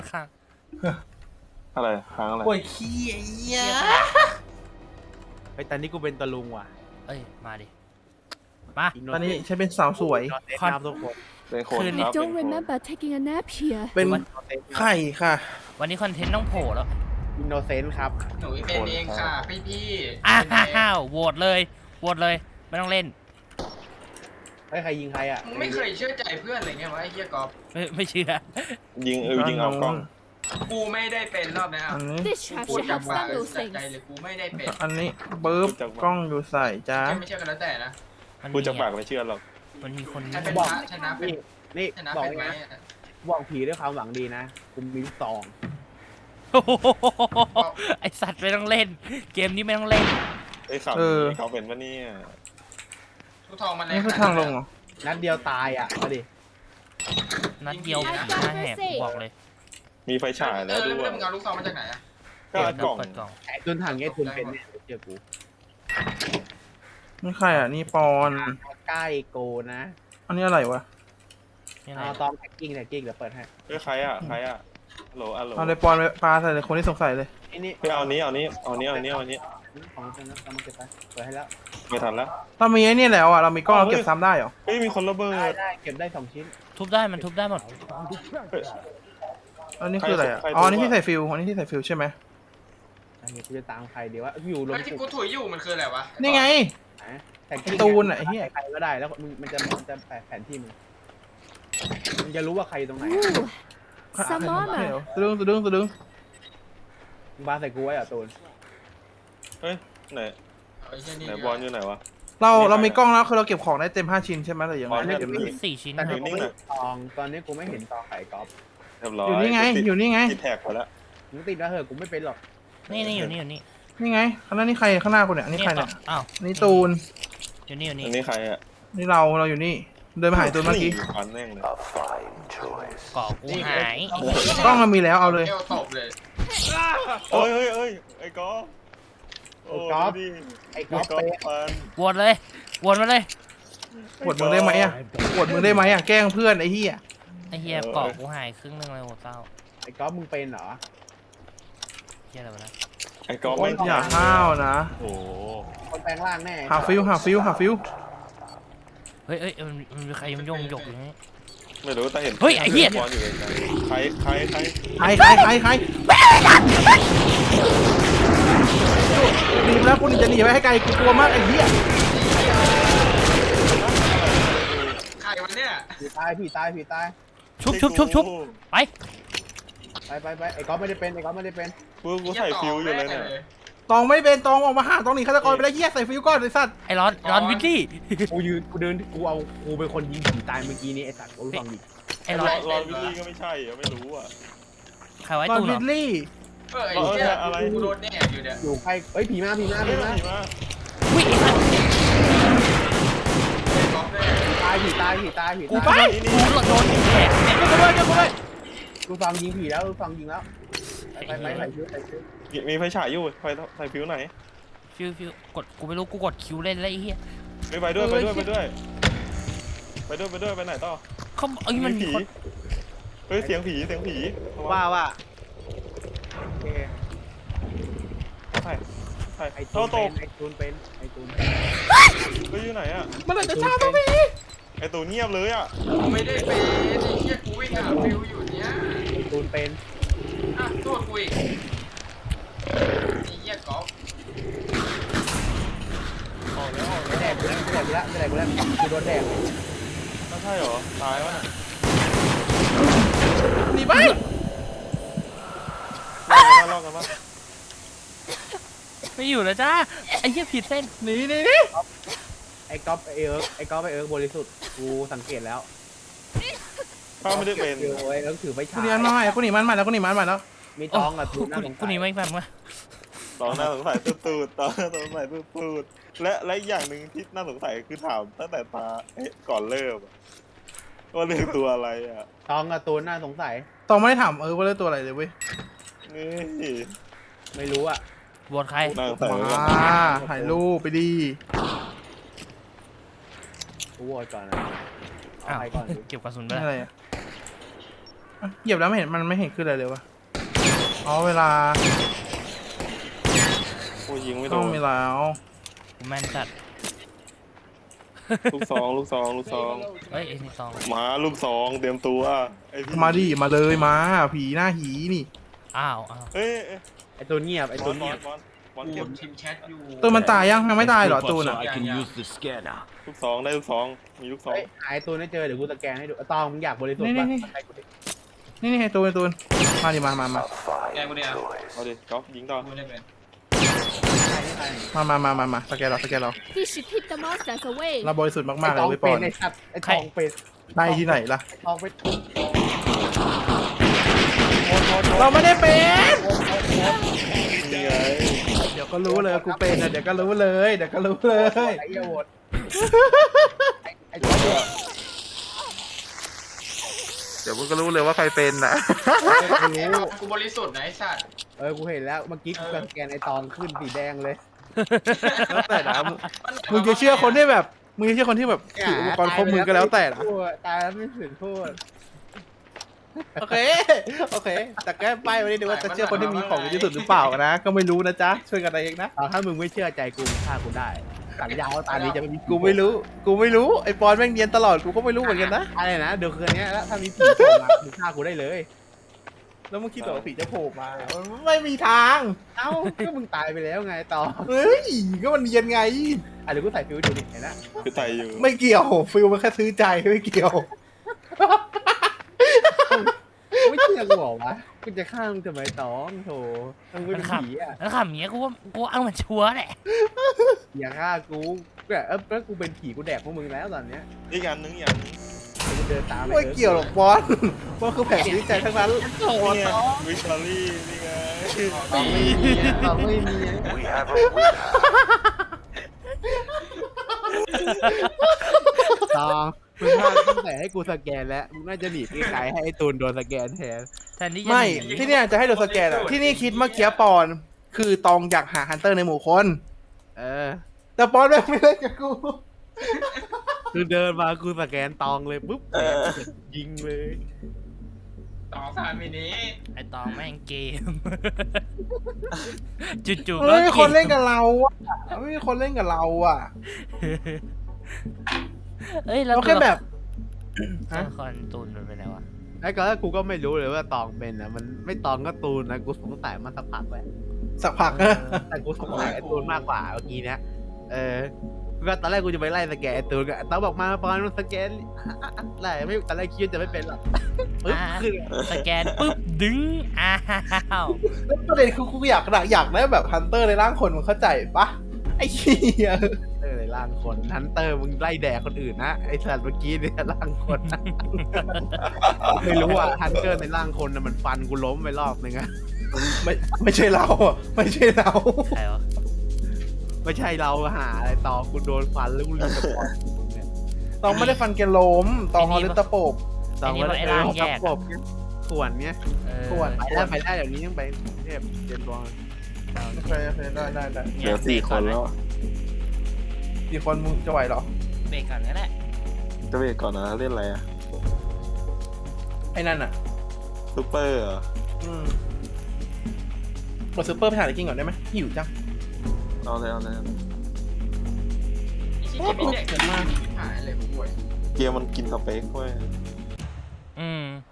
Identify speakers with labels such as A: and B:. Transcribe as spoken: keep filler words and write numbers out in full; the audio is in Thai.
A: ข้าง
B: อะไรค้างอะไร
C: ปวดขี้ไอ้เหี้ย
D: ไอ้ตอนนี้กูเป็นตะลุงว่ะ
A: เอ้ยมาดิมา
C: ตอนนี้ฉันเป็นสาวสวย
D: คอนทุกคน
B: เป็นคน
A: คืนนี้
B: ครับเป็น
E: Don't
B: คน
E: remember taking a nap here.
C: เป็นไข่ค่ะ
A: วันนี้คอนเทนต์ต้องโผล่แล้ว
D: อินโนเซนต์ครับ
F: หนูเป็นเองค่ะพี่พี่
A: อ้าวโหวตเลยโหวตเลยไม่ต้องเล่น
D: ไอ้ใครยิงใครอ่ะ
F: มึงไม่เคยเชื่อใจเพื่อนอะไรเงี้ยวะไอ้เหี้ยกอล์ฟ
A: ไม่ไม่เชื่อ
B: ยิงเออยิงเอากล้อง
F: กูไม่ได้เป็นรอบนี้
C: อันนี้
E: This
F: กู
E: trap
F: พูด
E: should
F: จาก
E: have
F: ปาก
E: done those
F: จาก
E: things.
F: ใจเลยกูไม่ได้เป็น
C: อันนี้ปึ๊บกล้องอยู่ใส่จ้า
F: ไม่เชื่อกันแล้วแต่นะ
A: มัน
B: พู
A: มี
B: ดจากปากไม่เชื่อหรอก
A: มันมีคน
F: ใครเป็น
D: บอก
F: พระชนะเป็น
D: นี่นี่
F: ชนะ
D: บอก
F: เป็นไหม
D: นะบอกผีด้วยความหวังดีนะกูมีลูกซอง
A: โอ้โหไอสัตว์ไม่ต้องเล่น เกมนี้ไม่ต้องเล่น
B: ไอ้ข่าวนี้เขาเป็นปะเนี่ย
F: ทุกทองมัน
C: นี่คือทางลงเหรอ
D: นัดเดียวตายอ่ะมาดิ
A: นัดเดียวผีหน้าแหกกูบอกเลย
B: มีไฟฉาย
F: เอ
B: แล้ว
F: อ
B: ด้
F: แล้ว
B: วย
F: มึงเอาลูกซองมาจากไหนอ่ะ
B: ก็อัดกล่อง
A: เปิดกล่อง
D: ไอ้ตุนถังเงี้ยตุนเป็นเนี่ยเจอกู
C: นี่ใครอ่ะนี่ปอน
D: ใกล้โกนะ
C: อันนี้อะไรวะ
A: นี่อะไร
D: เอาตอมแท็กกิ้งแท็กกิ้งเดี๋ยวเปิดให้
B: เฮ้ยใครอ่ะใครอ่ะโหลอะโหล
C: เอาเลยปอนไปปลาใส่เลยคนที่สงสัยเลย
D: ไอ้นี่
B: เฮ้ยเอานี้เอานี้เอานี้เอานี้เอานี้
D: ของฉันนะเอามาเก็บไปเปิดให้แล้ว
B: ไม่ทันแล้ว
C: เรามีไอ้นี่แล้วอ่ะเรามีกล้องเราเก็บซ้ำได้เหรอ
B: เฮ้ยมีคนระเบิ
D: ได้
B: ด
D: ได้เก็บได้สองชิ้น
A: ทุบได้มันทุบได้หมด
B: เฮ้ย
C: อันนี้คืออะไรอ่ะ
B: ใคร
C: อ๋ออันนี้
B: ใคร
C: ที่ใส่ฟิวอันนี้ที่ใส่ฟิวใช่ไหม
D: ไอ้เหี้ยกูจะตามใครเดี๋ยวว่าอยู่ลง
F: ไอ้ที่กูถุยอยู่มันคืออะไรวะ
C: นี่ไง
D: แท็ก
C: ไอ้ตูนอ่ะไอ้เหี้ย
D: ใครก็ได้แล้วมึงมันจะมันจะแปะแผนที่มึงมึงจะรู้ว่าใครตรงไหน
E: Ooh, some
C: เดี๋ยว
E: armor.
C: สะดึงสะดึงสะดึง
D: มึงบ้าใส่กูไว้เหรอ่ะตูน
B: เฮ้ยไหน
F: ไอ้เหี้ยนี่
B: ไหนบอลอยู่ไหนวะ
C: เราเรามีกล้องแล้วคือเราเก็บของได้เต็มห้าชิ้นใช่ไหมหรือยัง
B: บ
C: ไง
B: อลเนี่ย
C: เก็บ
B: มี
C: ไม่
A: สี่ชิ้น
D: แต่
A: นะ
D: กูไม่เห็นตองตอนนี้กูไม่เห็นตองไข่กอล์ฟ
B: เรียบร้อย
C: อยู่นี่ไงอยู่นี่ไง
B: ติดแท็กไปแล้ว
D: มึงติดแล้วเหอะกูไม่เป็นหรอก
A: นี่นี่อยู่นี่อยู่นี่
C: นี่ไงข้างหน้านี่ใครข้างหน้าคนเนี่ยอันนี่ใครเนี่ย
A: อ้าว
C: นี่ตูน
A: อยู่นี่อยู่นี่
B: อันนี้ใครอ่ะ
C: นี่เราเราอยู่นี่ เดินมาหายตูนเมื่อกี้
B: ฟันแม่งเลย
A: ก่อกูหาย
C: กล้องเรามีแล้วเอาเลย
F: เอวตบเลย
B: เอ้ยเอ้ยเอ้ยไอ้กอล์ฟโอ้ดูดิ
D: ไอ้ก
B: ไอ้
D: อล์ฟ
B: กอล์
D: เป๊ะ
B: ฟฟัน
A: โหวตเลยโหวตมาเลย
C: ปวดมือได้ไหมอ่ะปวดมือได้ไหมอ่ะแกล้งเพื่อนไอ้เหี้ย
A: ไอเฮียก่อกูหายครึ่งนึงเลยโหเศร้า
D: ไอ้กอล์ฟมึงเป็นเหรอ
A: เฮียอะไรวะนะ
B: ไอ้กอล์ฟไม่
C: อย่าห้าวนะ
B: โอ้โห
D: คนแปลงร่างแน่
C: หาฟิวหาฟิวหาฟิว
A: เฮ้ยเฮ้ยมันมันมีใครมันโยงหยกอยู่นี่
B: ไม่รู้แต่เห็น
A: เฮ้ยไอ้เหี้ย
B: บอลอยู่ไกลๆใครใครใคร
C: ใครใครใครใครหนีไปแล้วกูหนีจะหนีไปให้ไกลกูกลัวมากไอ้เหี้ย
F: ใครวันเนี้ย
D: ผีตายผีตายผีตาย
A: ชุบชุบชุบชุบไป
D: ไปไปไปไอ้กอล์ฟไม่ได้เป็นไอ้กอล์ฟไม่ได้เป็น
B: กูกูใส่ฟิวอยู่เลยเนี่ย
C: ตองไม่เป็นตองออกมาหาตองหนีฆาตกรไปแล้วเหี้ยใส่ฟิวก่อนไอ้สัตว์
A: ไอ้ร้อนร้อนวิลลี่
D: กูยืนกูเดินกูเอากูเป็นคนยิงผีตายเมื่อกี้นี้ไอ้สัตว์กูรู้ฟังดิ
A: ไอ้ร้อน
B: รอนวิลลี่ก็ไม่ใช่อะไม่รู้อ่ะ
A: ใครไว้
C: ตอน
A: ตู้เหร
C: วิ
A: อ
C: ลลี่
F: เออไอ้เหี้ย
B: อะไร
F: กูโดนแน่อยู่เนี่ย
D: อยู่ใครเอ้ยผีมาผีมา
B: เฮ้
D: ผี
B: ย
D: มา
B: ผีมา
A: วิ่งไอ้สัตว์
F: ไอ้กอล์ฟเลย
D: ตายผีตายผีตายผี
A: กู
D: ตาย
A: ไปกูโดนแขกเนี่ย
C: กูด้วยกูด้วย
D: กูฟังยิงผีแล้วกูฟังยิงแล้วไปไปไปใส่ชุดใส่ชุด
B: มีมีไฟฉายอยู่ไฟใส่ฟิวไหน
A: ฟิวฟิวกดกูไม่รู้กูกดคิวเล่นแล้วไอ้เหี้ย
B: ไปไปด้วยไปด้วยไปด้วยไปด้วยไปด้วยไปไหนต่อ
A: เขาเอ้ยมันมี
B: ผี
A: คน
B: เฮ้ยเสียงผีเสียงผี
D: ว่าว่าโอเค
B: ใช่ใช่
D: ไอ้
B: โต
D: ตูน
B: โต
D: เป็นไอ้ตูนเป็นไอ้ตูนเป็น
B: เฮ้ยอยู่ไหนอ่ะ
C: มันเลยจะช้าตัวพี่
B: ไอ้ตัวเงียบเลยอ่ะ
F: กูไม่ได้เป็นไอ้เหี้ยกูวิ่งหาฟิวอยู่เนี่ย
D: ไอ้ตูนเป็น
F: อ่ะโทษกูอีกไอ้เหี้ยกอล์ฟ
B: ออกแล้วออก
D: ไม่
B: แล้ว
D: แดกกูแล้วไม่แดกกูแล้วไม่แดกกูแล้วกูโดนแดก
B: ไม่ใช่เหรอตายวะน่ะ
C: หนีไป
B: ลอกกันปะ
A: ไม่อยู่แล้วจ้าไอ้เหี้ยผิดเส้น
C: หนีหนีหนี
D: ไอ้ก๊อฟไอ้เอิร์กไอ้ก๊อฟไอ้เอิร์กบริสุทธิ์กูสังเกตแล้ว
B: ข้าไม่ได้เป็น
D: เดี๋ยวไอ้เอิร์กถือไฟ
C: กู
D: ฉาย
C: หนีมันมาใหม่กูหนีมันใหม่แล้วกูหนีมันใหม่แล้ว
D: มีตองกับตู
A: กู
D: นน่าสง
A: กู
D: สั
A: หนี
D: ย
A: ไม่แบบว่า
B: ตอนน่าสงสัยตูดๆตอนน่าสงสัยตูดๆและและอีกอย่างหนึ่งที่น่าสงสัยคือถามตั้งแต่ตาเอ๊ะก่อนเริ่มอะว่าเรื่องตัวอะไรอ่ะ
D: ตองกับตูนน่าสงสัย
C: ตองไม่ได้ถามเออว่าเล่นตัวอะไรเลยเว้ย
B: นี่
D: ไม่รู้อ่ะ
A: โหวตใคร
B: น่าสงสัย
C: มา
B: เหมือนกัน
C: ถ่ายรูปไปดี
D: กูโหวตก่อนนะเอา
A: อ้าว
D: ใครก่อนดี
A: เก็บกระสุนไป
C: นี่
A: แล้ว
C: อะไรอ่ะอ่ะเหยียบแล้วไม่เห็นมันไม่เห็นขึ้นอะไรเลยวะอ๋อเวลา
B: โอ้ยยิงไม่โด
C: ต้อง
B: น
C: เวลาเอา
A: กูแม่นจัด
B: ลูกซองลูกซองลูกซอง
A: เฮ้ยไอ้นี่ซอง
B: มาลูกซองเตรียมตัวไอ้พี่
C: มาดิมาเลยมาผีหน้าหีนี่
A: อ้าวอ้าว
B: เอ้ยเอ้ย
D: ไอตัวเงียบไอ
B: ไอ้
D: ตั
B: ตัว ว
D: เงี
B: เงี
D: ย
B: ย
D: บบ
B: บอลบอล
F: กู
B: เก็บ
F: ทีมแชทอยู่
C: ตัวมันตายยังยังไม่ตายเหรอตูนอ่ะ
G: so I can use the scanner.
B: ลูกซองได้ลูกซองมีลูกซอง
D: เฮ้ยหายตัวไม่เจอเดี๋ยวกูสแกนให้ดูตองมึงอยากบริสุทธิ์
C: นี่
D: ป่ะ
C: นี่
D: ให้กูดิ
C: นี่นี่ไอ้ตูนไอ้ตูนมาดิมามามา
F: แกกูเดียว
B: เอาดิก๊อฟยิงต่อ
F: กูไม่ได้เป็น
D: ใครให้ใคร
C: มามามามามาสแกนเราสแกนเรา
E: He should keep the monsters away.
C: เราบริสุทธิ์มากๆ
D: ไอ
C: เล
D: ต
C: ย
D: อง
C: เว้ยปอน
D: เป็นไอสัตว์ไอทองเป็น
C: ได้ที่ไหนล่ะ
D: ไอทองเป็น
C: เราไม่ได้เป็น
B: นี่ไง
C: เดี๋ยวก็รู้เลยว่ากูเป็นนะเดี๋ยวก็รู้เลย เดี๋ยวก็รู้เลย
D: ไอเหี้ยโหวตไอ้ไอทองเป็น
C: เดี๋ยวมึงก็รู้เลยว่าใครเป็นนะ
D: กูรู้
F: กูบริสุทธิ์นะไอ้สัตว์
D: เออกูเห็นแล้วเมื่อกี้กูสแกนไอตองขึ้นสีแดงเลย
C: แล้วแต่นะมึงมึงจะเชื่อคนที่แบบมึงจะเชื่อคนที่แบบถืออุปกรณ์ครบมือก็แล้วแต่นะ
D: ตายแล้วไม่ถึงโทษ
C: โอเคโอเค แต่แก้ป้ายไว้ดูว่าจะเชื่อคนที่มีของดีที่สุดหรือเปล่านะ ก็ไม่รู้นะจ๊ะช่วยกันเองนะ
D: เอาถ้ามึงไม่เชื่อใจกูมึงฆ่ากูได้สัญญาว่าตอนนี้จะไม่มี
C: กูไม่รู้ กูไม่รู้ไอ้ปอนแม่งเนียนตลอดกูก็ไม่รู้เหมือนกันนะ
D: อะไรนะเดี๋ยวคืนนี้แล้วถ้ามีผีโผล่มามึงฆ่ากูได้เลย
C: แล้วมึงคิดว่าผีจะโผล่มามันไม่มีทาง
D: เอ้าก็มึงตายไปแล้วไงต่อ
C: เฮ้ยก็มันเนียนไง
D: อ่ะเดี๋ยวกูใส่ฟิวดูดิเห็นนะ
B: คือไตอยู่
C: ไม่เกี่ยวฟิลมันแค่ซื้อใจไม่เกี่ยว
D: ไม่เชื่อกูเหรอวะกูจะฆ่ามึงทำไมตองโถมึงเป็นผีอ่ะ
A: แล้วขำเนี้ยกูว่ากูเอามันชัวร์แหละ
D: อย่าฆ่ากูแบบเออแล้วกูเป็นผีกูแดกพวกมึงแล้วตอนเนี้ย
B: อีกอันนึงอีกอันนึง
D: กูเดินตาม
C: ไม่เกี่ยวหรอกบอลมันคือแผงซื้อใจทั้งนั้น
B: นี่ไงวิชารี่นี่ไง
D: ตองไม่มีอะตองไม่มีอะ
G: We have a winner.
D: ตองมึงพลาดตั้งแต่ให้กูสแกนแล้วมึงน่าจะหนีไกลๆให้ไอ้ตูนโดนสแกนแทน
A: แทนที่จะ
C: ไม่
A: หนี
C: ที่เนี่ยจะให้โดนสแกนอะที่นี่คิดเมื่อกี้ปอนคือตองอยากหาฮันเตอร์ในหมู่คน
D: เออ
C: แต่ปอนแม่งไม่เล่นกับกู
D: คือเดินมากูสแกนตองเลยปุ๊บยิงเลย
F: ต่อสามมินิ
A: ไอ้ตองแม่งเกม จู่ๆก็
C: ไม่มี
A: เก
C: คน
A: ม
C: เล่นกับเราอะไม่มีคนเล่นกับเราอะ
A: เอ้ยแล้ว
C: เราแค่แบบ
A: ตัว
C: ฮะ
A: ละครตูนมันเป็นไงวะ
D: ไอ้ก็กูก็ไม่รู้เลยว่าตองเป็นนะมันไม่ตองก็ตูนนะกูสงสัยมาสักพักแล้ว
C: สักพัก
D: แต่กูสงสัยไอ้ตูนมากกว่าเมื่อกี้เนี้ยเออก็ตอนแรกกูจะไปไล่สแกนไอ้ตูนก็ตองบอกมาปอนมันสแกนไล่ไม่ตอนแรกคิดว่าจะไม่เป็นหรอกปึ๊บ
A: อ่า
D: ขึ้น
A: สแกนปุ๊บดึงอ้าว
C: แล้วประเด็นคือกูอยากอยากได้แบบฮันเตอร์ในร่างคนมันเข้าใจปะไอ้เหี้ย
D: เออในร่างคนฮันเตอร์มึงไล่แดกคนอื่นนะไอ้สัตว์เมื่อกี้เนี่ยร่างคนนะไม่รู้อ่ะฮันเตอร์ในร่างคนนะมันฟันกูล้มไปรอบนึงอะ
C: ไม่ไม่ใช่เราอะไม่ใช่เรา
A: ใครวะ
D: ไม่ใช่เราหาอะไรต่อกูโดนฟันแล้วกูลืมจะบอกเนี่ย
C: ตองไม่ได้ฟันแกล้มตองเอาเล่นตะโปบ
A: ไอ้นี่มันไอ้ร่างแยก
D: ก
A: อะ
D: บส่วนเนี้ย
A: เออ
C: ส่วน
D: ไปได้ไปได้เดี๋ยวนี้ยังไปเทพเจนบอล
C: โอเคโอเคได้ได้ได้
B: เหลือสี่คนแล้ว
C: กี่คนมึงจะไหวเหรอ
A: เบรกก่อนก็ได้
B: จะเบรกก่อนนะเล่นอะไรอะ
C: ไอ้นั่นอ่ะ
B: ซูเปอร์เหรอ
C: อืมกดซูเปอร์ไปหาอะไรกินก่อนได้ไหมหิวจัง
B: เอาเลยเอาเลยเอาเลย
F: ไอ้ชี้เก็บไม่เด็กหายเลยกูป่วย
B: เกมมันกินสเปคเว้ย
A: อืม